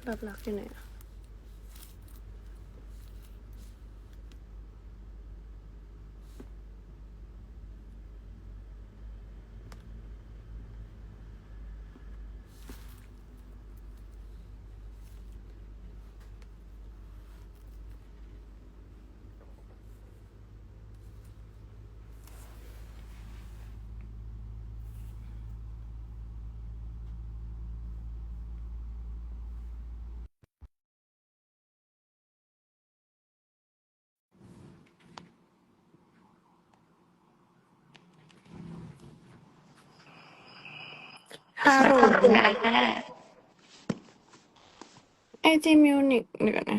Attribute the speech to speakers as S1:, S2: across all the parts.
S1: แบบรักอยู่ไหนอะฮัลโหลไอจีมิวนิกเดี๋ยวนะ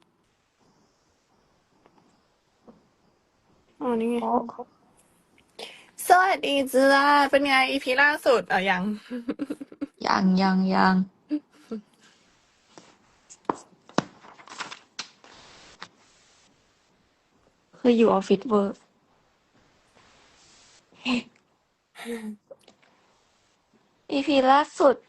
S1: อ๋อนี่ไงสวัสดีจ้าเป็นไงอีพีล่าสุดยัง
S2: ยังคืออยู่ออฟฟิศเวิร์กEP ล่าสุด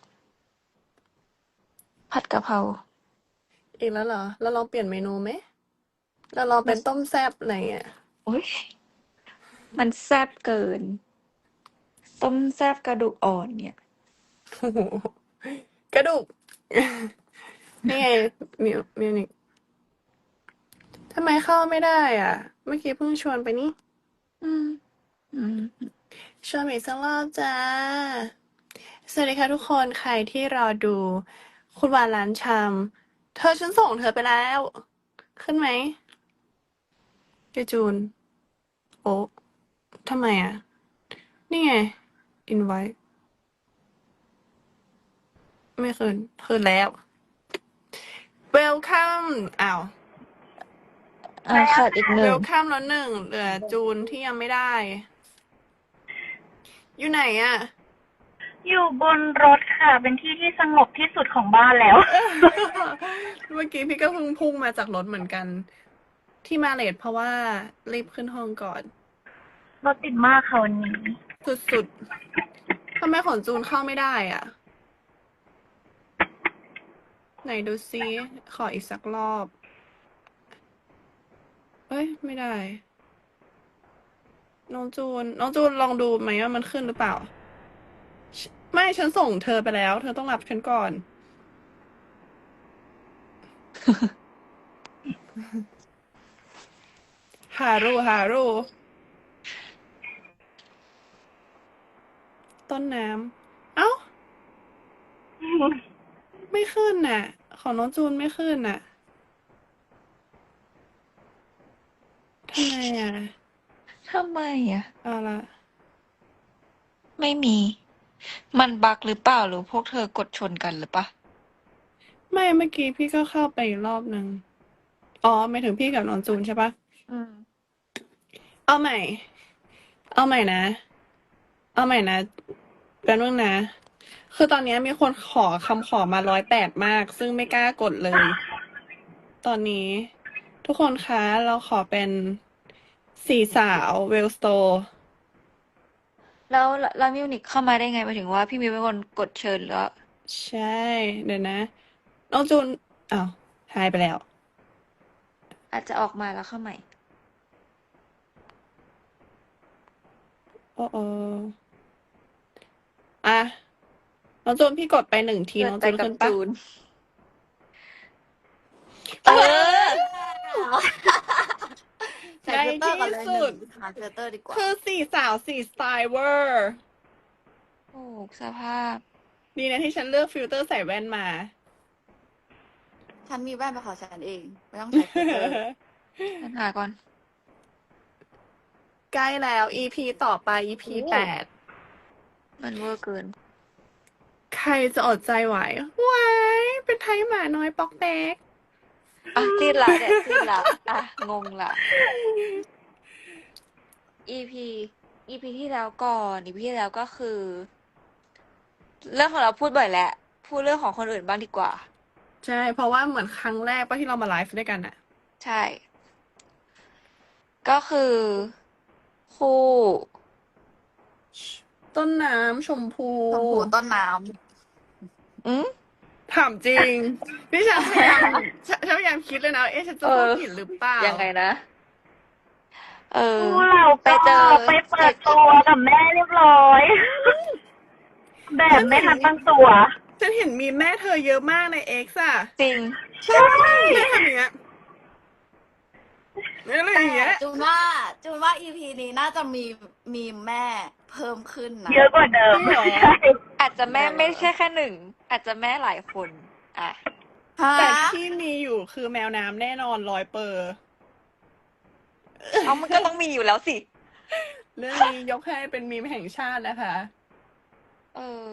S2: ผัดกะเพรา
S1: อีกแล้วเหรอเราลองเปลี่ยนเมนูไหมเราลอง
S2: มัน
S1: เป็นต้มแซ่บอะไรเงี้ย
S2: โอ๊ยมันแซ่บเกินต้มแซ่บกระดูกอ่อนเนี่ย
S1: โอ้โหกระดูก นี่ไงมิวนิกทำไมเข้าไม่ได้อ่ะเมื่อกี้เพิ่งชวนไปนี่
S2: อืมอืม
S1: ชวนไปอีกสักรอบจ้าสวัสดีค่ะทุกคนใครที่รอดูคุณวานร้านชำเธอฉันส่งเธอไปแล้ว ขึ้นไหมเจจูนโอ้ทำไมอ่ะนี่ไง invite ไม่คืนแล้ว welcome อ้าว
S2: ขาดอีกหนึ่ง
S1: welcome แล้วหนึ่งเหลือจูนที่ยังไม่ได้ อยู่ไหนอ่ะ
S3: อยู่บนรถค่ะ เป็นที่ที่สงบที่สุดของบ้านแล้ว
S1: เมื่อกี้พี่ก็เพิ่งพุ่งมาจากรถเหมือนกัน ที่มาเลทเพราะว่ารีบขึ้นห้องก่อน
S3: รถติดมากค่ะวันนี้
S1: สุดๆทำไมของจูนเข้าไม่ได้อ่ะ ไหนดูซิขออีกสักรอบ เอ้ย ไม่ได้ น้องจูนลองดูไหมว่ามันขึ้นหรือเปล่า ไม่ฉันส่งเธอไปแล้ว เธอต้องรับฉันก่อน ฮารุต้นน้ำเอ้า ไม่ขึ้นน่ะ ของน้องจูนไม่ขึ้นน่ะทำไมอ่ะ
S2: ทำไมอ่ะ
S1: เอาละ
S2: ไม่มี มันบั๊กหรือเปล่าหรือพวกเธอกดชนกันหรือปะ
S1: ไม่เมื่อกี้พี่ก็เข้าไปอีกรอบหนึ่งอ๋อไม่ถึงพี่กับน้องจูนใช่ปะ
S2: อืม
S1: เอาใหม่ เอาใหม่นะ เอาใหม่นะแป๊บนึงนะ คือตอนนี้มีคนขอคำขอมา108มาก ซึ่งไม่กล้ากดเลย ตอนนี้ ทุกคนคะเราขอเป็นสี่สาวเวลสโต
S2: แล้วมิวนิกเข้ามาได้ไงหมายถึงว่าพี่มิวเป็นคนกดเชิญหรือว่า
S1: ใช่ เดี๋ยวนะ น้องจูนอ้าวหายไปแล้ว
S2: อาจจะออกมาแล้วเข้าใหม่
S1: โอ้โออ่ะน้องจูนพี่กดไป1 ที
S2: เกิ
S1: น้
S2: ด
S1: อง
S2: ไปกับ
S1: จูนขึ้นปะ
S2: จูน
S1: เออ
S4: ใส่
S1: ใน
S4: ฟิลเตอร์ก่อน
S1: ที่
S4: เลย
S1: สุด
S4: หาฟิลเตอร์ดีกว่า
S1: คือสี่สาวสี่สไตล์เวอร์
S2: โอ้สภาพ
S1: ดีนะที่ฉันเลือกฟิลเตอร์ใส่แว่นมา
S4: ฉันมีแว่นเป็นของฉันเอง ไม่ต้องใช้ฟิลเตอร์
S2: ปัญหาก่อน
S1: ใกล้แล้ว EP ต่อไป EP
S2: โอ้
S1: 8
S2: มันเวอร์เกิน
S1: ใครจะอดใจไหวไหวเป็นไทยหมาน้อยปอกแป๊ก
S2: จิ้นละเนี่ยจิ้นละงงละ EP EP ที่แล้วก่อน EP ที่แล้วก็คือ เรื่องของเราพูดบ่อยแหละ พูดเรื่องของคนอื่นบ้างดีกว่า
S1: ใช่ เพราะว่าเหมือนครั้งแรกป่ะที่เรามาไลฟ์ด้วยกันอะ
S2: ใช่ ก็คือ คู่
S1: ต้นน้ำชมพู
S4: ชมพูต้นน้
S2: อืม
S1: ถามจริงนี่ฉันพยายามฉันพยายามคิดเลยนะ ฉันจะ
S2: เอ
S1: พูด
S2: อ
S1: ผิดหรือเปล่า
S2: ยังไงนะ เออ
S3: คู่เรา
S2: ไป
S3: ก็
S2: เจอ
S3: ไปเปิดตัวกับแม่เรียบร้อย แบบไม่ทันตั้งตัว
S1: ฉันเห็นมีแม่เธอเยอะมากในเอ็กซ์อะ
S2: จริง
S1: ใช่แม่ทำอย่างเงี้ยอะไรอย่างเงี้ย
S4: จูนว่า EP นี้น่าจะมีแม่เพิ่มขึ้นนะ
S3: เยอะกว่าเดิม
S1: จริงเหรอ
S3: ใช่
S2: อาจจะแม่ไม่ใช่แค่หนึ่ง อาจจะแม่หลายคน อ่ะ
S4: ฮะ
S1: แต่ที่มีอยู่คือแมวน้ำแน่นอน100%
S2: เอามันก็ต้องมีอยู่แล้วสิ
S1: เรื่องนี้ยกให้เป็นมีมแห่งชาตินะคะ
S2: เออ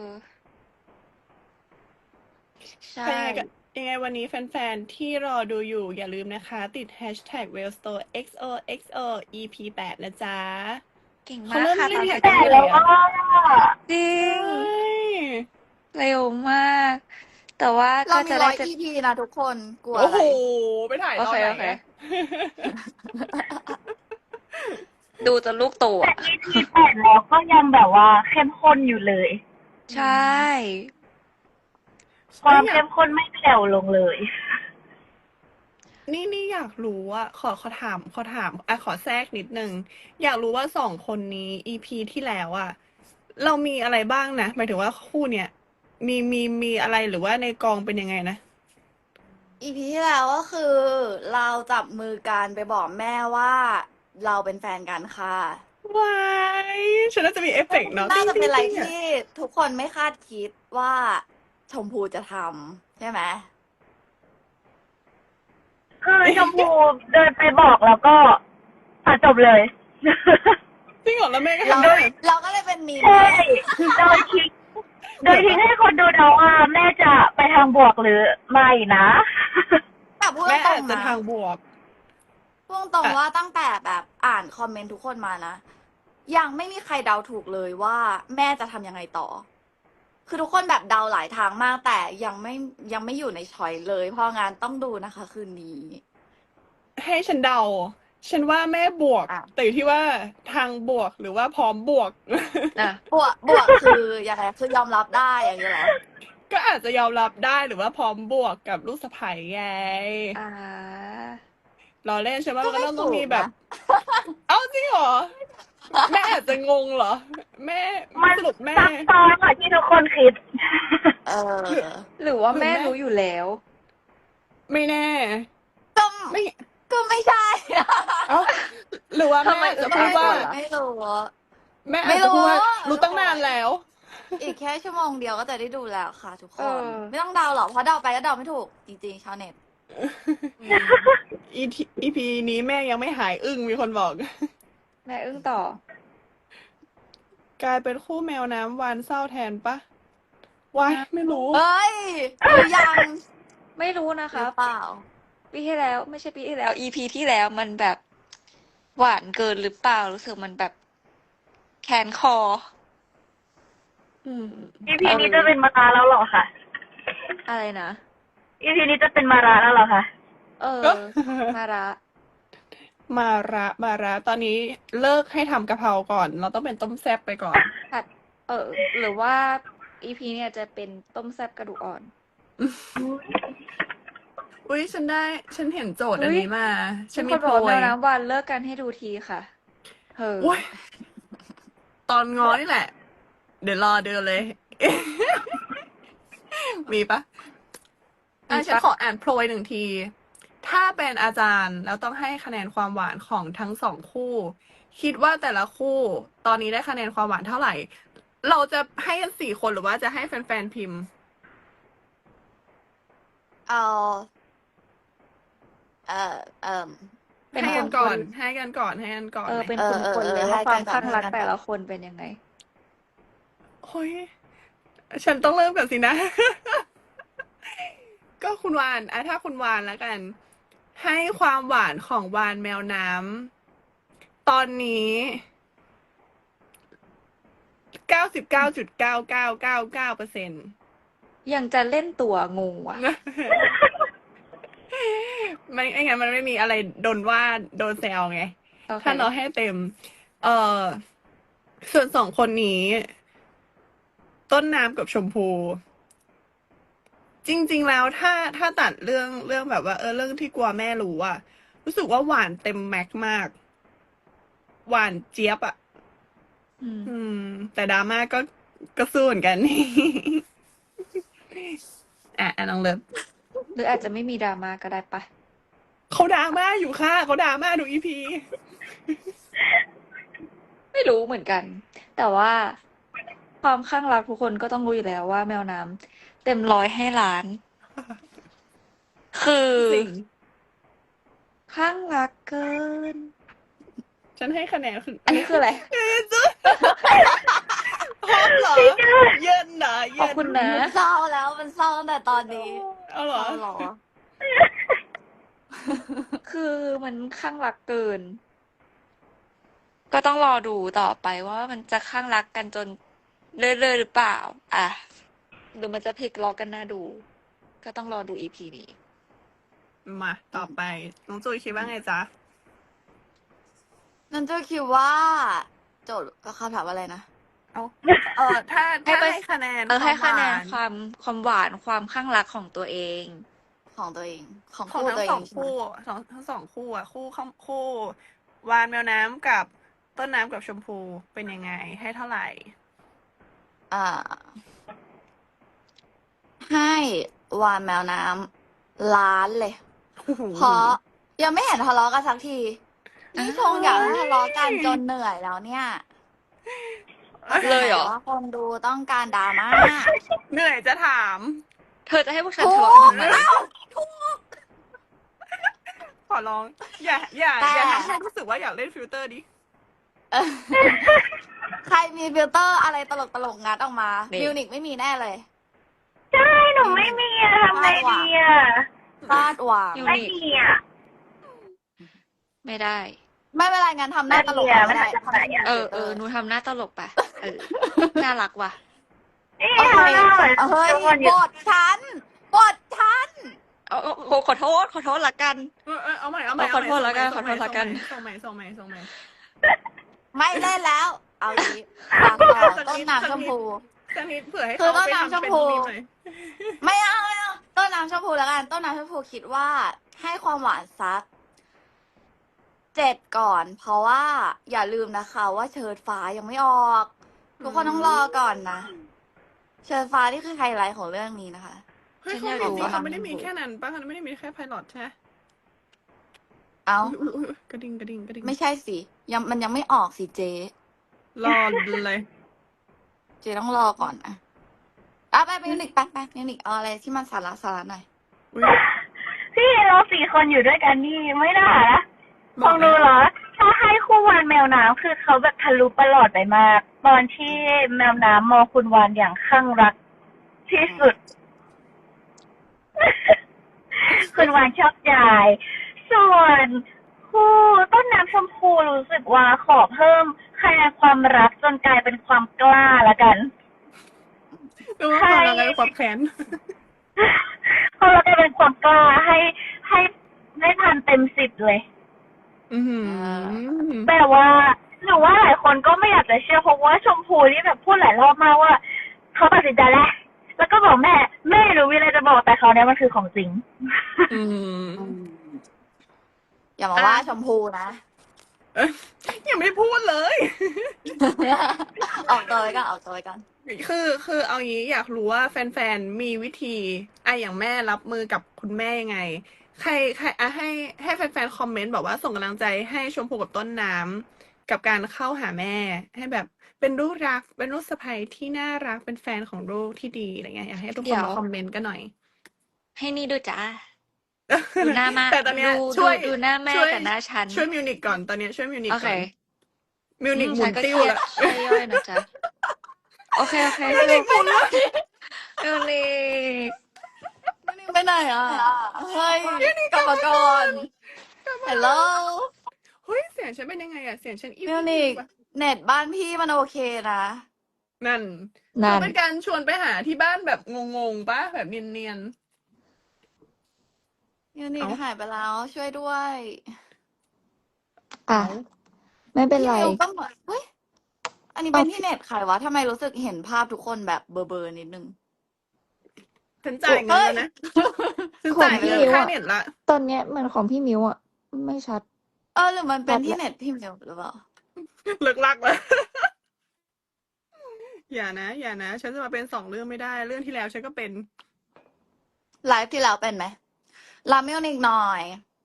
S2: ใช่
S1: ยังไงวันนี้แฟนๆที่รอดูอยู่อย่าลืมนะคะ ติด hashtag wellstore XOXO EP 8 นะจ๊ะ
S2: เก่ง
S1: เขา
S2: มาก
S1: เริ่ม
S2: ค่ะ
S1: เล่น
S2: ตอน
S1: แท็
S2: นี้
S1: กกั
S3: แต่
S1: นเมื่อไห
S3: แล้
S1: ร่
S3: ว
S1: อะ
S3: ก็
S2: จริง
S1: ใช่
S2: เร็วมาก แต่ว่า
S4: เรา
S2: ก็
S4: มี
S2: จะ
S4: ร้
S2: ได้
S4: อย EP นะทุกคนกลัว
S1: โอ้
S4: อะ
S1: โห
S4: ไร
S1: ไปถ่ายต
S2: โอ
S1: อน
S2: เค
S1: ไหน
S2: โอเค
S1: อะ
S2: ดูจนลูกโต
S3: แต่
S2: อ่ะ
S3: EP 8แล้วก็ยังแบบว่าเข้มข้นอยู่เลย
S2: ใช่
S3: ความ
S1: อยา
S3: เข้
S1: ก
S3: มข้นไม่แผ่วลงเลย
S1: นี่อยากรู้อะขอถามขอแทรกนิดนึง อยากรู้ว่า2 คนนี้ EP ที่แล้วอะเรามีอะไรบ้างนะ หมายถึงว่าคู่เนี้ยมีอะไรหรือว่าในกองเป็นยังไงนะ
S4: EP ที่แล้วก็คือเราจับมือกันไปบอกแม่ว่าเราเป็นแฟนกันค่ะ
S1: ว้ายฉันน่าจะมีเอฟเฟกต์เนาะ
S4: น่า
S1: ติ้ง
S4: จะ
S1: ติ้
S4: เป็น
S1: ง
S4: อะไร
S1: ติ้งอะ
S4: ที่ทุกคนไม่คาดคิดว่าชมพูจะทำใช่ไหม
S3: คือชมพูเดินไปบอกแล้วก็จบเลย
S1: จริงเหรอแล้วแม่ก็
S4: เรา
S1: ทำได้
S4: เราก็เลยเป็นมีม
S3: ใช่ โดยทิ้งให้คนดูเดาว่าแม่จะไปทางบวกหรือไม่นะ
S4: แต่พูด
S1: แม่
S4: ตร
S1: อาจ
S4: ง
S1: จะ
S4: ๆนะ
S1: ทางบวก
S4: พูดตรง
S1: อ่ะ
S4: ๆว่าตั้งแต่แบบอ่านคอมเมนต์ทุกคนมานะ ยังไม่มีใครเดาถูกเลยว่าแม่จะทำยังไงต่อ คือทุกคนแบบเดาหลายทางมากแต่ยังไม่อยู่ในช้อยเลย เพราะงานต้องดูนะคะ คืนนี้
S1: ให้ฉันเดา ฉันว่าแม่บวก
S4: อ่ะ
S1: แต่อยู่ที่ว่าทางบวกหรือว่าพร้อมบวก
S2: อ่ะ
S4: บวกคือยังไงคือยอมรับได้อย่างนี้เหรอ
S1: ก็อาจจะยอมรับได้หรือว่าพร้อมบวกกับลูกสะใภ้ไง
S2: อ่า
S1: เราเล่นใช่ไหม
S4: ก็
S1: มันก็
S4: ไม่
S1: ต้องมี
S4: ถูก
S1: แบบ
S4: นะ
S1: เอ้าจริงเหรอ แม่อาจจะงงเหรอ แม่
S3: มัน
S1: สรุปแม่
S3: ซับซ้อนกว่าที่ทุกคนคิด
S4: เออ
S2: หรือว่า
S1: หรือ
S2: แม่
S1: แม่
S2: รู้อยู่แล้ว
S1: ไม่แน่
S4: ก็
S1: ไม่
S4: ก็ไม่ใช่
S1: เอ้าหรือว่า
S2: ทำไม
S1: แม่จะ
S2: จะ
S1: พูดว่า
S2: ก่อนล่ะ
S4: ไม่รู้
S1: แม่
S4: ไม่
S1: อาจจะ
S4: รู้
S1: พูดว่า
S4: ทุ
S1: รู้
S4: ก
S1: ตั้ง
S4: คน
S1: นานแล้ว
S4: อีกแค่ชั่วโมงเดียวก็จะได้ดูแล้วค่ะ ทุกค
S2: เอน อ
S4: ไม่ต้องเดาหรอกเพราะเดาไปก็เดาไม่ถูก จริงๆชาวเน็ต
S2: อืม
S1: EP นี้แม่ยังไม่หายอึ้งมีคนบอก
S2: แม่อึ้งต่อ
S1: กลายเป็นคู่แมวน้ำวานเศร้าแทนปะวายไม่รู้
S4: เอ้ยรู้ยัง
S2: ไม่รู้นะ
S4: ห
S2: ครั
S4: รื
S2: บ
S4: อเปล่า
S2: ปีที่แล้ว ไม่ใช่ปีที่แล้ว EP ที่แล้วมันแบบหวานเกินหรือเปล่า รู้สึกมันแบบแขนคอ
S1: อืม
S3: EP นี้จะเป็นมาราแล้วเหรอคะ
S2: อะไรนะ
S3: EP นี้จะเป็นมาราแล้วเหรอคะ
S2: เออ มาระ
S1: มาระตอนนี้เลิกให้ทำกะเพราก่อน เราต้องเป็นต้มแซ่บไปก่อน
S2: ผัด หรือว่า EP เนี่ยจะเป็นต้มแซ่บกระดูกอ่อน
S1: อุ้ยฉันเห็นโจทย์อัน
S2: อุ๊ย
S1: นี้มา ฉัน
S2: มี
S1: มี
S2: คน
S1: โพ
S2: บอก
S1: ย
S2: แมวน้ำวันเลิกกันให้ดูทีค่ะเฮ้
S1: อุ้ยตอนง้อนี่แหละ เดี๋ยวรอเดือนเลย มีปะฉันขออ่านโพย1 ที ถ้าเป็นอาจารย์แล้วต้องให้คะแนนความหวานของทั้ง2 คู่ คิดว่าแต่ละคู่ ตอนนี้ได้คะแนนความหวานเท่าไหร่ เราจะให้กัน4 คนหรือว่าจะให้แฟนๆพิมพ์
S4: เอาเป็น
S1: ให้
S4: ค
S1: กัน
S4: น
S1: ก่อน ให้กันก่อนไหม
S2: เป็น
S4: เอ
S2: ค
S4: อน เออ
S2: คน
S4: เออ
S2: เลย
S4: ให้
S2: ว่าความ
S4: กันก่อน
S2: ข้างรัก
S4: ให้กันก่อน
S2: แต่ละคนเป็นยังไง
S1: เฮ้ย ฉันต้องเริ่มก่อนสินะ ก็คุณวานถ้าคุณวานแล้วกัน ให้ความหวานของวานแมวน้ำตอนนี้ 99.99999%
S2: ยังจะเล่นตัวงูอ่ะ
S1: ไม่งั้นมันไม่มีอะไรโดนว่าโดนแซวไง
S2: โอเค
S1: ถ้าเราให้เต็ม เอ่อ ส่วน2 คนนี้ ต้นน้ำกับชมพูจริง ๆ แล้วถ้าตัดเรื่องแบบว่าเรื่องที่กลัวแม่รู้อะรู้สึกว่าหวานเต็มแม็กซ์มาก หวานเจี๊ยบอะ
S2: อืม
S1: อืม แต่ดราม่าก็สู้เหมือนกัน น้องเลิฟ
S2: หรืออาจจะไม่มีดราม่าก็ได้ปะ
S1: เขาดราม่าอยู่ค่ะเขาดราม่าดูอีพี
S2: ไม่รู้เหมือนกัน แต่ว่าความข้างรักทุกคนก็ต้องรู้อยู่แล้วว่าแมวน้ำเต็มร้อยให้ล้าน คือ
S1: จริง
S2: ข้างรักเกิน
S1: ฉันให้คะแนนคือ
S2: อันนี้คืออะไร
S1: พร้อมเหรอ เย็นเหรอ
S2: ข
S1: เย็
S2: อบ
S1: น
S2: คุณนะ
S4: มันเศร้าแล้วมันเศร้าตั้งแต่ตอนนี้
S1: เอาเหรอ
S4: เศร้าเหรอ
S2: คือมันข้างรักเกิน ก็ต้องรอดูต่อไปว่ามันจะข้างรักกันจนเรื่อยๆหรือเปล่า อ่ะหรือมันจะพลิกล็อกกันน่าดู ก็ต้องรอดูอีพีนี้
S1: มาต่อไป น้องจุยคิดว่าไงจ๊ะ
S4: นั่นจะคิดว่า โจทย์คำถามอะไรนะ
S1: เอาถ้า
S2: ให้ไป
S1: ให้คะแนน
S2: ให้คะแนน
S1: วาม
S2: ความหวานความข้างรักของตัวเอง
S4: ของตัวเอง ของ
S1: ของ
S4: คู่
S1: ทั้
S4: ตัว
S1: ง
S4: เอ
S1: สอง ง
S4: ใช่ไหม
S1: คู่ทั้งสองคู่อะคู่วานแมวน้ำกับต้นน้ำกับชมพูเป็นยังไง ให้เท่าไหร่
S4: อ่า ให้วานแมวน้ำล้านเลย เพราะยังไม่เห็นทะเลาะกันสักทีนี่ชงอยากให้ทะเลาะกันจนเหนื่อยแล้วเนี่ย
S2: เลยเหรอ
S4: ว่าคนดูต้องการดราม่า
S1: เหนื่อยจะถาม
S2: เธอจะให้พวกฉัน
S4: ถู
S2: ทะ
S4: ก
S2: เลาะกันทำไม
S1: ขอร้อง อย่า
S4: แต่
S1: ทำให้รู้สึกว่าอยากเล่นฟิลเตอร์ดิ
S4: เออใครมีฟิลเตอร์อะไรตลกงัดออกมา
S2: นี่
S4: มิวนิกไม่มีแน่เลย
S3: ใช่หนูไม่มีอะทำไงดีอะ
S4: คาดหวัง
S2: ยู
S3: ไม่
S2: นิค
S3: มีอะ
S2: ไม่ได้
S4: ไม่เป็นไรงั้นทำหน้าตลก
S3: ไม่
S4: ก็
S3: ได้
S4: ได้
S3: อะไม่ได้อะ
S2: หนูทำหน้าตลกไปน่ารักว่ะ
S3: นี่
S4: โอเค
S3: เอาหน่อย
S4: เฮ้ย
S3: ทุกคนหยุ
S4: บ
S3: ด
S4: ทฉันบทฉัน
S2: ขอโทษละกัน
S1: เอาใหม่
S2: ขอโทษแล้วกันขอโทษแล้วกัน
S1: ส่งใหม่
S4: ไม่เล่นแล้ว เอาดีปากต่อต้นน้ำชมพู
S1: สักนิดเผื่อให้
S4: คือ
S1: เขา
S4: ต้น
S1: ไป
S4: น้ำ
S1: ทำเป็น
S4: ชมพู
S1: มีมหน่อย
S4: ไม่เอาต้นน้ำชมพูแล้วกัน ต้นน้ำชมพูคิดว่า ให้ความหวานสัก 7 ก่อน เพราะว่าอย่าลืมนะคะว่าเชิดฟ้ายังไม่ออก ทุกคนต้องรอก่อนนะ เชิดฟ้านี่คือไฮไลท์ของเรื่องนี้นะคะ
S1: เฮ้ย
S2: ฉัน
S1: เขา
S2: อยากรู้ว่า
S1: เขาไม่ได้มีแค่นั้นป่ะเขาไม่ได้มีแค่ไพลอตใช่ไหม
S4: เอา
S1: อุ๊ยกระดิ่ง
S4: ไม่ใช่สิมันยังไม่ออกสิเจ
S1: รอเลย
S4: เจต้องรอก่อนนะไปมิวนิกไปมิวนิกเอาอะไรที่มันสาระหน่อย
S1: อุ๊ย
S3: พี่เรา4 คนอยู่ด้วยกันนี่ไม่ได้นะ
S1: บ
S3: ข
S1: อ
S3: อก ง
S1: เล
S3: ดู
S1: ย
S3: เหรอ ถ้าให้คู่วานแมวน้ำคือเขาแบบทะลุประหลอดไปมาก ตอนที่แมวน้ำมองคุณวานอย่างข้างรักที่สุด คุณวานชอบใจส่วนคู่ต้นน้ำชมพูรู้สึกว่าขอเพิ่มคะแนนความรักจนกลายเป็นความกล้าละกัน
S1: ดูว่าความรักกับความแค้น
S3: พอเรากลายเป็นความกล้าให้พันเต็ม10เลย
S1: อือหือ
S3: แบบว่าหนูว่าหลายคนก็ไม่อยากจะเชื่อเพราะว่าชมพูนี่แบบพูดหลายรอบมากว่าเขาตัดสินใจแล้วก็บอกแม่หนูมีอะไรจะบอกแต่เขาเนี่ยมันคือของจริง
S1: อืม
S4: อย่ามาว่าชมพูนะ
S1: ยังไม่ได้พูดเลย
S4: ออกตัวไว้กัน
S1: คือเอางี้อยากรู้ว่าแฟนๆมีวิธีอย่างแม่รับมือกับคุณแม่ยังไง ใครให้แฟนๆคอมเมนต์บอกว่าส่งกำลังใจให้ชมพูกับต้นน้ำกับการเข้าหาแม่ ให้แบบเป็นลูกรัก เป็นลูกสะใภ้ที่น่ารักเป็นแฟนของลูกที่ดีอะไรเงี้ยอยากให้ทุกคนมาคอมเมนต์กันหน่อย
S2: ให้นี่ดูจ้า ดูหน้ามา
S1: แต่ตอนเนี้ย
S2: ดู
S1: ช่วย
S2: ดูหน้าแม่
S1: ช่วย
S2: กับหน้าฉัน
S1: ช่วยมิวนิกก่อนตอนเนี้ยช่วยมิวนิก
S2: โอ
S1: ก่
S2: เค
S1: อนมิวนิกหมุ
S2: ฉั
S1: น
S2: ก็
S1: ติ้ว
S2: เครียด
S1: ละ
S2: ช่วยย่อยนะจ๊ะ โอเคมิวนิก
S4: ไปไหนอ่ะ เฮ้ยกลับมาก่อนฮัลโหล
S1: เฮ้ยเสียงฉันเป็นยังไงอะเสียงฉันอิ่
S4: มิวนิก
S1: ปะ
S4: เน็ตบ้านพี่มันโอเคนะ
S1: นั่น
S2: นั่
S1: เขา
S2: น
S1: เป็นการชวนไปหาที่บ้านแบบงงๆปะแบบเนียน
S4: มิวนิก
S1: เอ้า
S4: หายไปแล้วช่วยด้วย
S2: อ่ะ ไม่เป็น
S4: พี่
S2: ไร
S4: มิวก็เหมือนเฮ้ย อันนี้เป็นที่เน็ตใครวะทำไมรู้สึกเห็นภาพทุกคนแบบเบลอๆนิดนึง
S1: ฉันจ่ายเงิน
S4: เฮ้ย
S1: แล้วนะ ฉัน
S5: ของ
S1: จ่าย
S5: พี่
S1: เงิน
S5: มิว
S1: ค่า
S5: อะ
S1: เน็ตละ
S5: ตอนเนี้ยเหมือนของพี่มิวอะไม่ชัด
S4: หรือมันเป็น
S5: ชัด
S4: ที่
S5: แหละ
S4: เน็ตพี่มิวหรือเปล่า
S1: เลิกลักแล้ว อย่านะ อย่านะ ฉันจะมาเป็น2เรื่องไม่ได้ เรื่องที่แล้วฉันก็เป็น
S4: ไลฟ์ที่แล้วเป็นไหมลามิวนิกหน่อย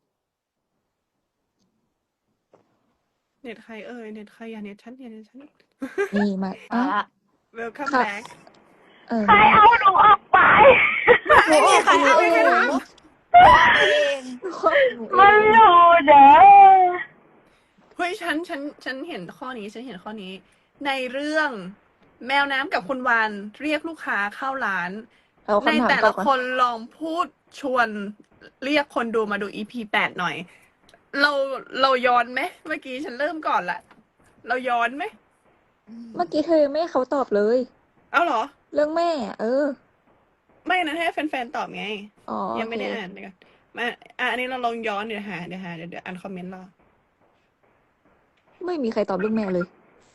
S1: เน็ตใครเอ่ย เน็ตใครอย่าเน็ตฉันอย่าเน็ตฉัน
S5: นี่มา
S4: มา
S5: อ้าว
S4: ละ
S1: Welcome
S5: ค่ะ
S1: back
S3: ใครเอาหนูออกไป
S4: ไม่มีใครเอา
S5: หนู
S4: ห
S5: เอ
S4: นู
S5: ง
S4: เอง
S5: หนู
S3: มัน
S5: เอง
S3: อยู่เด้อ
S1: เฮ้ยฉันเห็นข้อนี้ ฉันเห็นข้อนี้ ในเรื่องแมวน้ำกับคุณวานเรียกลูกค้าเข้าร้าน
S5: เอา
S1: ใน
S5: คำถาม
S1: แต่
S5: ตอ
S1: ละ
S5: บก่อน
S1: คนลองพูดชวนเรียกคนดูมาดู EP 8 หน่อย เราย้อนไหมเมื่อกี้ฉันเริ่มก่อนละเราย้อนไหม
S5: เมื่อกี้เธอยังไม่ให้เขาตอบเลย
S1: เอาเหรอ
S5: เรื่องแม่อะ
S1: ไม่นะให้แฟนๆตอบไง
S5: อ๋อ
S1: ยัง
S5: โอ
S1: ไม่
S5: เค
S1: ได้อ่านเดี๋ยวก่อนมาอันนี้เราลองย้อนเดี๋ยวอ่านคอมเมนต์รอ
S5: ไม่มีใครตอบเรื่องแม่เลย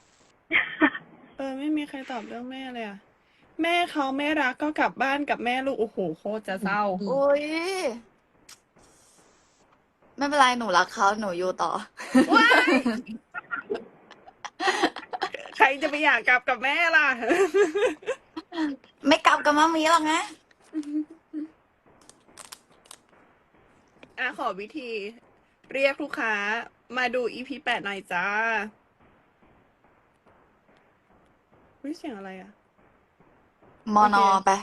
S1: ไม่มีใครตอบเรื่องแม่เลยอ่ะ แม่เขาไม่รักก็กลับบ้านกับแม่ลูกโอ้โหโคตรจะเศร้า
S5: ดี
S4: อุ้ยไม่เป็นไรหนูรักเขาหนูอยู่ต่อ
S1: ว้าย ใครจะไปอยากกลับกับแม่ล่ะ
S4: ไม่กลับกับมามีหรอกนะ
S1: ขอวิธี เรียกลูกค้ามาดู EP 8 หน่อยจ้าเสียงอะไรอ่ะ
S4: มอนอไป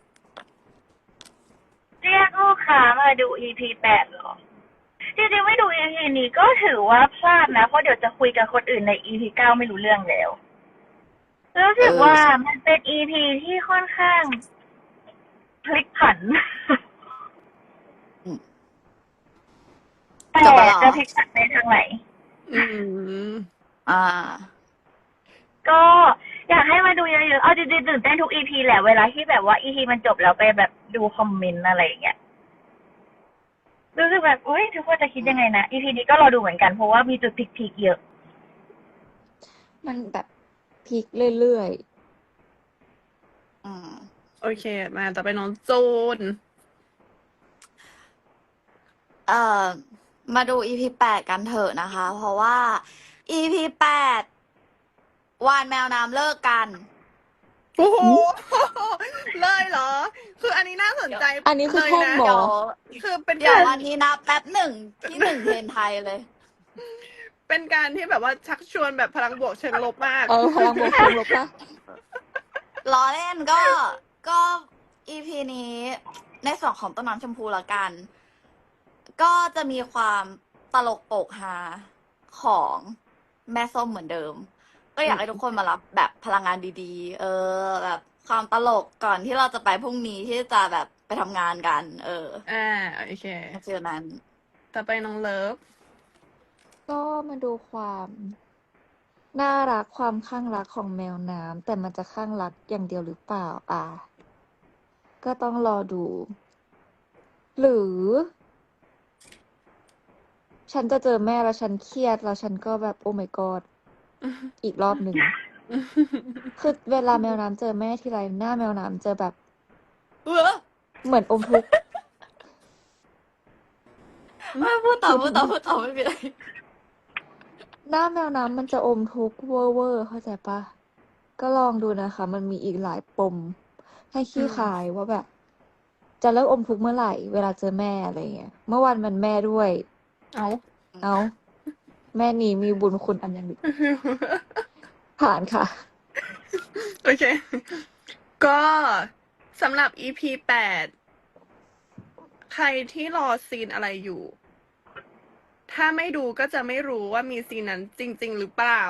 S3: เรียกลูกค้ามาดู EP 8เหรอ จริงๆไม่ดู EP นี้ก็ถือว่าพลาดนะ เพราะเดี๋ยวจะคุยกับคนอื่นใน EP 9 ไม่รู้เรื่องแล้ว รู้สึกว่ามันเป็น EP ที่ค่อนข้างพลิกผัน
S4: อืม
S3: แต่
S4: จบแล้วเหรอ
S3: จะพลิกผันในทางไหน
S1: อืม
S4: อ่า
S3: ก็อยากให้มาดูเยอะๆ เอาจริงๆตื่นเต้นทุก EP แหละเวลาที่แบบว่า EP มันจบแล้วไปแบบดูคอมเมนต์อะไรอย่างเงี้ย รู้สึกแบบอุ้ยทุกคนจะคิดยังไงนะ EP นี้ก็รอดูเหมือนกันเพราะว่ามีจุดพลิกๆเยอะ
S5: มันแบบพลิกเรื่อย
S4: อืม
S1: โอเค มาต่อไปน้องจูน
S4: มาดู EP 8 กันเถอะนะคะ เพราะว่า EP 8 วานแมวน้ำเลิกกัน
S1: โอ้โห เลยเหรอ คืออันนี้น่าสนใจ
S5: ๆ อันนี้คือ
S1: เลย
S5: แท่ง
S1: นะ
S5: บอ
S4: เดี๋ยว
S1: คือเป็น
S4: เดี๋ยว
S1: การ
S4: วันนี้นับแป๊บหนึ่งที่1 เทรนไทยเลย
S1: เป็นการที่แบบว่าชักชวนแบบพลังบวกเชิงลบมาก
S5: พลังบวกเชิงลบปะ
S4: ล้อเล่นก็ EP นี้ในส่วนของต้นน้ำชมพูละกัน ก็จะมีความตลกโปกฮาของแม่ส้มเหมือนเดิม ก็อยากให้ทุกคนมารับแบบพลังงานดีๆ แบบความตลกก่อนที่เราจะไปพรุ่งนี้ที่จะแบบไปทำงานกัน
S1: โอเค
S4: ฟีลนั้น
S1: ต่อไปน้องเลิฟ
S5: ก็มาดูความน่ารักความข้างรักของแมวน้ำแต่มันจะข้างรักอย่างเดียวหรือเปล่า ก็ต้องรอดู หรือ ฉันจะเจอแม่แล้วฉันเครียดแล้วฉันก็แบบโอ้ my god อีกรอบหนึ่ง คือเวลาแมวน้ำเจอแม่ทีไรหน้าแมวน้ำเจอแบบ เหมือนอมทุกข์
S4: ไม่พูดต่อไม่เป็นไร
S5: หน้าแมวน้ำมันจะอมทุกข์เวอร์เข้าใจปะก็ลองดูนะคะ มันมีอีกหลายปม ให้ขี้คายว่าแบบ จะเลิกอมทุกข์เมื่อไหร่ เวลาเจอแม่อะไรเงี้ย เมื่อวานมันแม่ด้วย
S1: เอา
S5: เอาแม่นี่มีบุญคุณอันยังดีผ่านค่ะ
S1: โอเค ก็สำหรับ EP 8 ใครที่รอซีนอะไรอยู่ ถ้าไม่ดูก็จะไม่รู้ว่ามีซีนนั้นจริง ๆ หรือเปล่า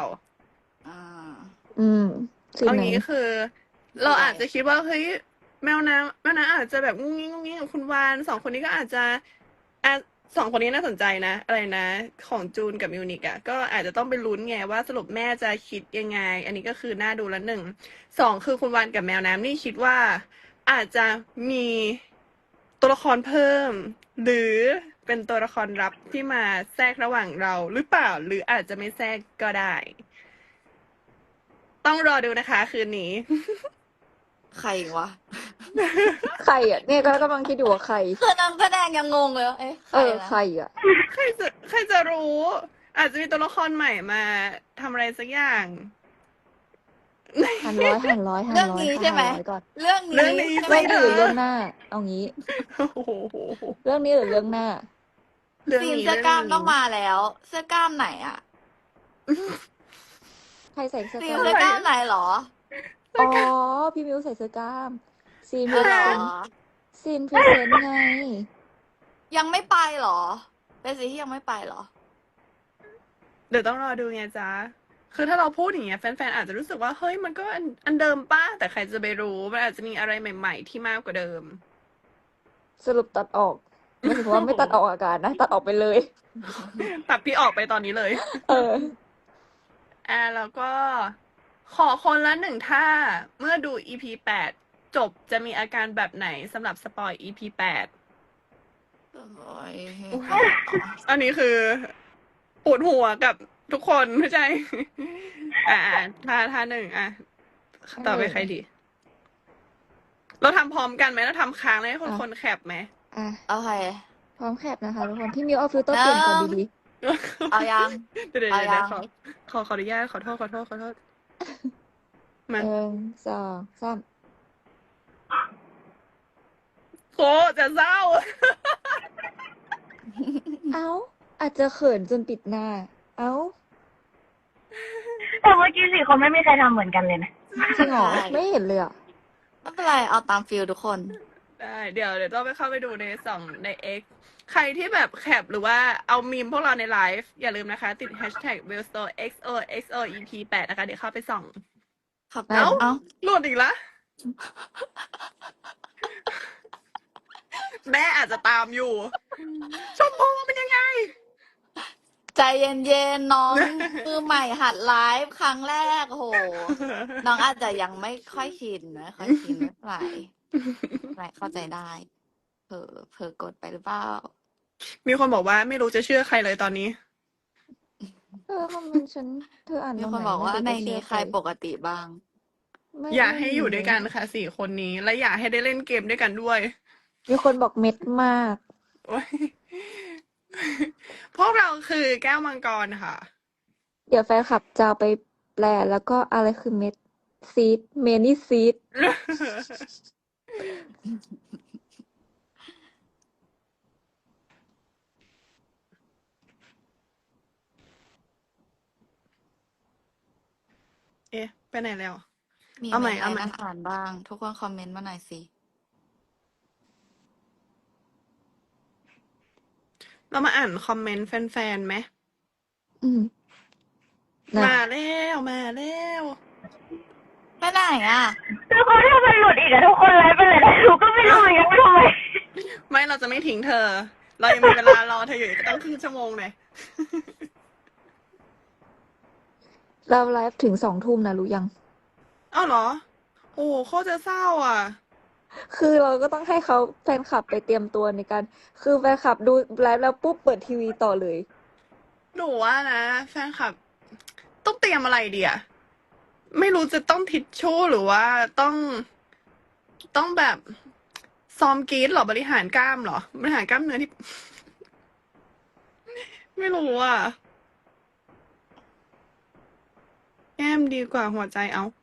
S5: สิ่ง
S1: เอา
S5: ไหน
S1: งี้คือ เราอาจจะคิดว่าเฮ้ยแมวน้ำอาจจะแบบงุ้งงิ้งกับคุณวาน2 คนนี้ก็อาจจะ2 คนนี้น่าสนใจนะ อะไรนะ ของจูนกับมิวนิกอะก็อาจจะต้องไปลุ้นไงว่าสรุปแม่จะคิดยังไง อันนี้ก็คือน่าดูละ1 2คือคุณวานกับแมวน้ำนี่คิดว่า อาจจะมีตัวละครเพิ่ม หรือเป็นตัวละครลับที่มาแทรกระหว่างเราหรือเปล่า หรืออาจจะไม่แทรกก็ได้ ต้องรอดูนะคะ คืนนี้
S4: ใครวะ
S5: ใครอ่ะเนี่ยก็กำลังคิดอยู่ว่าใคร
S4: คือนักแสดงยังงงเลยว่าเอ๊ะใค
S5: เอ
S4: ร
S5: อ
S4: นะ
S5: ใครอ่ะ
S1: ใครจะรู้ อาจจะมีตัวละครใหม่มาทำอะไรสักอย่าง
S5: หันร้อยหันร้อยหัน
S4: เรื่อง
S5: ร้อย
S4: นี้
S5: ค่ะ
S4: ใช่ไหม
S5: หันร้อยก่อน
S4: เรื่อง
S1: เรื่อง
S4: นี้
S1: นี้
S4: ใช่ไหม
S5: เรื่องนี้หรือเรื่องหน้า เอางี้
S1: โอ้โห
S5: เรื่องนี้หรือเรื่องหน้า
S1: เรื่อง
S4: ซีน
S1: นี้
S4: เสื้อกล้าม
S1: เรื่
S4: ต้องมาแล้ว เสื้อกล้ามไหนอะ
S5: ใครใส่เสื้อ
S4: ซี
S5: ก
S4: น
S5: ล้าม
S4: เสื้อกล้ามไหนเหรอ
S5: อ๋อ พี่มิวใส่เสื้อกล้าม ซีนพ
S4: อ๋
S5: รี
S4: อเหร
S5: เซ
S4: อ
S5: นต์ซีนพรีเซนต์ไง
S4: ยังไม่ไปเหรอ เป็นซีนที่ยังไม่ไปเหรอ
S1: เดี๋ยวต้องรอดูไงจ๊ะ คือถ้าเราพูดอย่างเงี้ยแฟนๆอาจจะรู้สึกว่าเฮ้ยมันก็อันเดิมป้าแต่ใครจะไปรู้มันอาจจะมีอะไรใหม่ ๆ ที่มากกว่าเดิม
S5: สรุปตัดออกไม่ถึงว่าไม่ตัดออกอากาศนะ ตัดออกไปเลย
S1: ตัดพี่ออกไปตอนนี้เลย
S5: เออ
S1: แล้วก็ขอคนละหนึ่งท่า เมื่อดู EP 8 จบจะมีอาการแบบไหนสำหรับสปอย EP 8 อันนี้คือปวดหัวกับทุกคนไม่ใช่ ท่าหนึ่งต่อไปใครดี เราทำพร้อมกันไหมเราทำค้างเลยให้คนแคปไหม
S5: อ่ะ
S4: โอเค
S5: พร้อมแคปนะคะทุกคน พี่มิวเอาฟิลเตอร์เปลี่ยนก่อนดี
S4: เอายัง
S1: เดี๋ยว
S4: เอายัง
S1: ขออนุญาตขอโทษ
S5: ๆ
S1: มา
S5: หนึ่งสองสาม
S1: โคจะเศร้า
S5: เอ้า อาจจะเขินจนปิดหน้า เอ้า
S3: แต่เมื่อกี้สี่คนไม่มีใครทำเหมือนกันเลยนะ
S5: จริงเหรอ
S4: ใช่
S5: ไม่เห็นเลยอ่ะ
S4: ไม่เป็นไร เอาตามฟิลทุกคน
S1: ได้เดี๋ยวต้องไปเข้าไปดูใน X ใครที่แบบแคปหรือว่าเอามีมพวกเราในไลฟ์อย่าลืมนะคะ ติด hashtag w e l l s t o r e XOXOEP8 นะคะ เดี๋ยวเข้าไปส่อง
S4: ครับ
S5: เอ้า
S4: เอ้า
S1: หลุดอีกละ แม่อาจจะตามอยู่ ชมพูเป็นยังไง
S4: ใจเย็นๆ น้อง มือใหม่หัดไลฟ์ครั้งแรกโอ้โห น้องอาจจะยังไม่ค่อยชินไม่ค่อยชินไม่เป็นไรไม่เข้าใจได้ เผลอกดไปหรือเปล่า
S1: มีคนบอกว่าไม่รู้จะเชื่อใครเลยตอนนี้
S5: คอมเมนต์ฉัน เธออ่าน
S4: มี
S5: ตรง
S4: คน
S5: ไหน
S4: บอกว่า
S5: ไม่
S4: ใน
S5: รู้จะเชื่
S4: นี้
S5: อ
S4: ใครปกติบ้าง
S5: ไม่
S1: อยากให้
S5: ไม่มี
S1: อยู่ด้วยกันค่ะ4 คนนี้ และอยากให้ได้เล่นเกมด้วยกันด้วย
S5: มีคนบอกเม็ดมาก
S1: โอ๊ย พวกเราคือแก้วมังกรค่ะ
S5: เดี๋ยวแฟนคลับจะเอาไปแปลแล้วก็อะไรคือเม็ดซีดเมนี่ซีด
S1: เอ๊ะ ไปไหนแล้ว
S4: มี
S1: เอาใหม่
S4: เมนต์
S1: เอา
S4: อะไร
S1: ใหม่
S4: น่าอ่านบ้าง ทุกคนคอมเมนต์มาหน่อยสิ
S1: เรามาอ่านคอมเมนต์แฟนๆไหม
S5: อืมนะ
S1: มาแล้วมาแล้ว
S4: ไปไหนอ่ะ
S3: ทุกคนถ้ามันหลุดอีกอะทุกคนไลฟ์ไปเลยนะหนูก็ไม่รู้เหมือนกันว่าทำไม
S1: ไม่เราจะไม่ทิ้งเธอ เรายังมีเวลารอเธออยู่อีกตั้งครึ่งชั่วโมงเลย
S5: เราไลฟ์ถึง2 ทุ่มนะรู้ยัง
S1: อ้าวเหรอ โอ้โคตรจะเศร้าอ่ะ
S5: คือเราก็ต้องให้เขาแฟนคลับไปเตรียมตัวในการ คือแฟนคลับดูไลฟ์แล้วปุ๊บเปิดทีวีต่อเลย
S1: หนูว่านะแฟนคลับ ต้องเตรียมอะไรดีอะไม่รู้จะต้องทิชชู่หรือว่าต้องแบบซ้อมกรีดหรอบริหารกล้ามเหรอบริหารกล้ามเนื้อที่ ไม่รู้อ่ะแก้มดีกว่าหัวใจ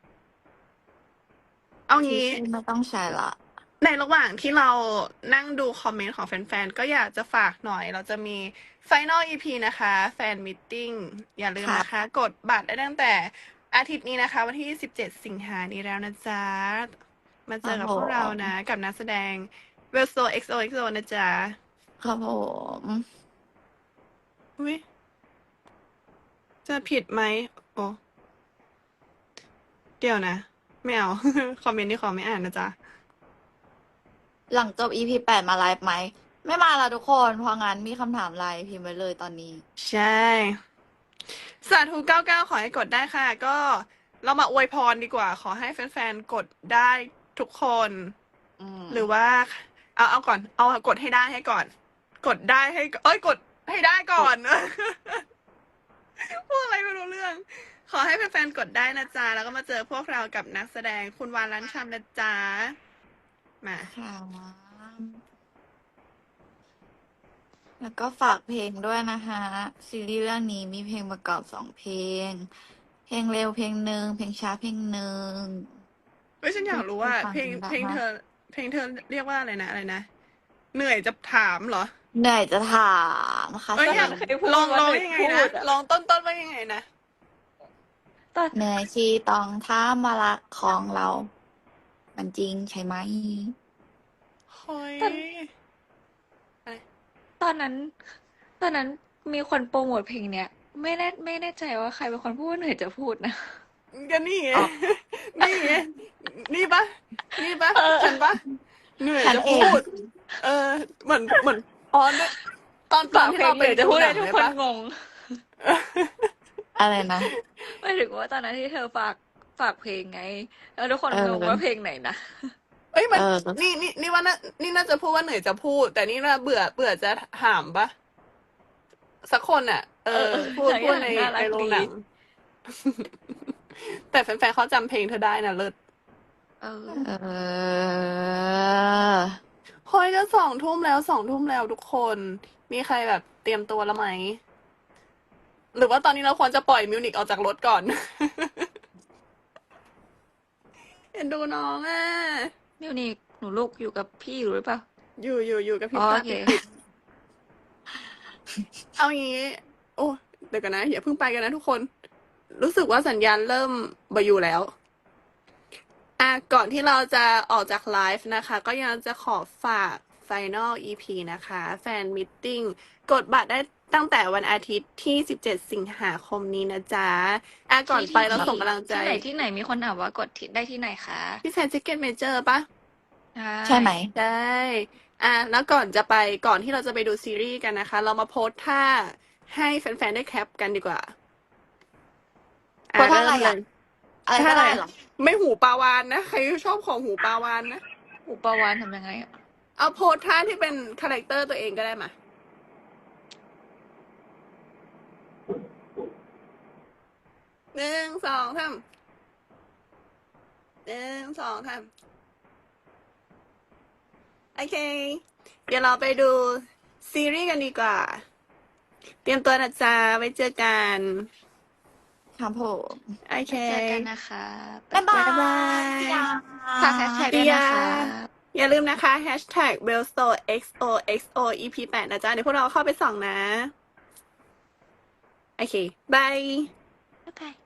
S1: เอา
S4: ที
S1: งี้
S4: ชื่อไม่ต้องใช้ละ
S1: ในระหว่างที่เรานั่งดูคอมเมนต์ของแฟนๆ ก็อยากจะฝากหน่อย เราจะมี Final EP นะคะ แฟนมิทติ้งอย่าลืมนะคะ กดบัตรได้ตั้งแต่อาทิตย์นี้นะคะ วันที่17 สิงหานี้แล้วนะจ๊ะ มาเจอกับพวกเรานะ กับนักแสดง w e l s o XOXO นะจ๊ะ
S4: ครับผม
S1: อุ๊ยจะผิดไหมโอ้เดี๋ยวนะ ไม่เอา คอมเมนต์ที่ขอไม่อ่านนะจ๊ะ
S4: หลังจบ EP 8 มาไลฟ์ไหม ไม่มาละทุกคน เพราะงั้นมีคำถามไลน์พิมพ์ไว้เลยตอนนี้
S1: ใช่ สาธุ99 ขอให้กดได้ค่ะ ก็เรามาอวยพรดีกว่า ขอให้แฟนๆ กดได้ทุกคน
S4: อืม
S1: หรือว่า เอาก่อน เอากดให้ได้ให้ก่อน กดได้ให้ กดให้ได้ก่อน พูดอะไรไม่รู้เรื่องขอให้แฟนๆกดได้นะจ๊ะ แล้วก็มาเจอพวกเรากับนักแสดงคุณวานล้านชามนะจ๊ะ มา
S4: ค่ะแล้วก็ฝากเพลงด้วยนะคะซีรีส์เรื่องนี้มีเพลงประกอบ2 เพลง เพลงเร็วเพลงหนึ่งเพลงช้าเพลงหนึ่ง
S1: เฮ้ยฉันอยากรู้ว่า
S4: ฟัง
S1: เพลง
S4: ได้
S1: เพลง
S4: ไหม
S1: เธอ เพลงเธอเรียกว่าอะไรนะอะไรนะ เหนื่อยจะถามเหรอ
S4: เหนื่อยจะถามค่ะ
S1: เอ้ย
S2: ก็
S1: อยาก
S2: เคยพูด
S1: ลอง
S2: ว่า
S1: ลอง
S2: เหนื่อย
S1: ยังไง
S2: พู
S1: นะ
S2: ดอะ
S1: ลองต้นว่ายังไงนะ
S2: ตอน
S4: เหนื่อยที่ต้องถามว่ารักของเรา มันจริงใช่ไหม
S1: เฮ้ย
S2: ตอน ตอนนั้น ตอนนั้นมีคนโปรโมทเพลงเนี้ย ไม่แน่ใจว่าใครเป็นคนพูดว่าเหนื่อยจะพูดนะ
S1: ก็นี่ไง
S4: อ๋อ
S1: นี่ไง นี่ปะนี่ปะ
S2: เออ
S1: ฉันปะเหนื่อย
S4: ฉัน
S1: จะ
S4: เอ
S1: พู
S4: ง
S1: ด เหมือนอ๋อเนี่ยตอน
S2: ฝาก
S1: ที่
S2: เพล
S1: เรา
S2: ง
S1: ไป
S2: เหนื่อยจะ
S1: ดู
S2: พูด
S1: หนั
S2: ให้
S1: ง
S2: ทุก
S1: เลย
S2: คน
S1: ปะ
S2: งง
S4: อะไรนะ
S2: ไม่ถึงว่าตอนนั้นที่เธอฝากเพลงไง แล้วทุกคน
S4: เออ
S2: งงว่าเพลงไหนนะ
S1: เอ้ยมัน
S4: เออ
S1: นี่ว่านี่น่าจะพูดว่าเหนื่อยจะพูด แต่นี่น่าเบื่อจะถามปะสักคนอ่ะ พูด
S2: ทั้ง
S1: พู
S2: อ
S1: ด
S2: ย่าง
S1: ใน
S2: น่ารัก
S1: โรง
S2: ดี
S1: หนัง แต่แฟนๆเขาจำเพลงเธอได้นะเลิศ
S2: เออ
S4: เออ
S1: เฮ้ยจะ2 ทุ่มแล้ว2 ทุ่มแล้วทุกคน มีใครแบบเตรียมตัวแล้วไหม หรือว่าตอนนี้เราควรจะปล่อยมิวนิกออกจากรถก่อน เห็นดูน้องอ่ะ
S2: มิวนิกหนูลูกอยู่กับพี่อยู่หรือเปล่า
S1: อยู่กับพี่
S2: อ๋อ
S1: ปลา
S2: โอเค
S1: ปิดๆเอางี้ โอ้เดี๋ยวกันนะอย่าเพิ่งไปกันนะทุกคน รู้สึกว่าสัญญาณเริ่มบอยู่แล้ว ก่อนที่เราจะออกจากไลฟ์นะคะ ก็ยังจะขอฝาก Final EP นะคะ แฟนมิทติ้งกดบัตรได้ตั้งแต่วันอาทิตย์ที่17 สิงหาคมนี้นะจ๊ะก่อนไปเราส่งกำลังใจ
S2: ที่ไหนมีคนถามว่ากดได้ที่ไหนคะ
S1: พี่แซนซิกเก็ตเมเจอร์ปะ
S4: ใช่ไหม
S1: ได้แล้วก่อนที่เราจะไปดูซีรีส์กันนะคะ เรามาโพสท่าให้แฟนๆได้แคปกันดีกว่า
S4: โพสท่าอะไร
S1: เม
S4: อะ
S1: เลย
S4: อะไรก็ได้เหรอ
S1: ไม่หูปลาวานนะ ใครชอบของหูปลาวานนะ
S2: อุปวานทำยังไงอะ
S1: เอาโพสท่าที่เป็นคาแรคเตอร์ตัวเองก็ได้มา 1 2 3 1 2 3โอเค เดี๋ยวเราไปดูซีรีส์กันดีกว่า เตรียมตัวนะจ๊ะ ไว้เจอกัน
S4: ครับผม
S1: โอเค
S2: เจอกันนะคะ
S4: บ๊ายบาย
S1: บ๊ายบาย
S4: พี่ยา
S2: ฝากแฮชแท็กด้วยนะคะ
S1: อย่าลืมนะคะ hashtag #BellStoreXOXO EP 8นะจ๊ะ เดี๋ยวพวกเราเข้าไปส่องนะ โอเค บาย
S2: บ๊ายบาย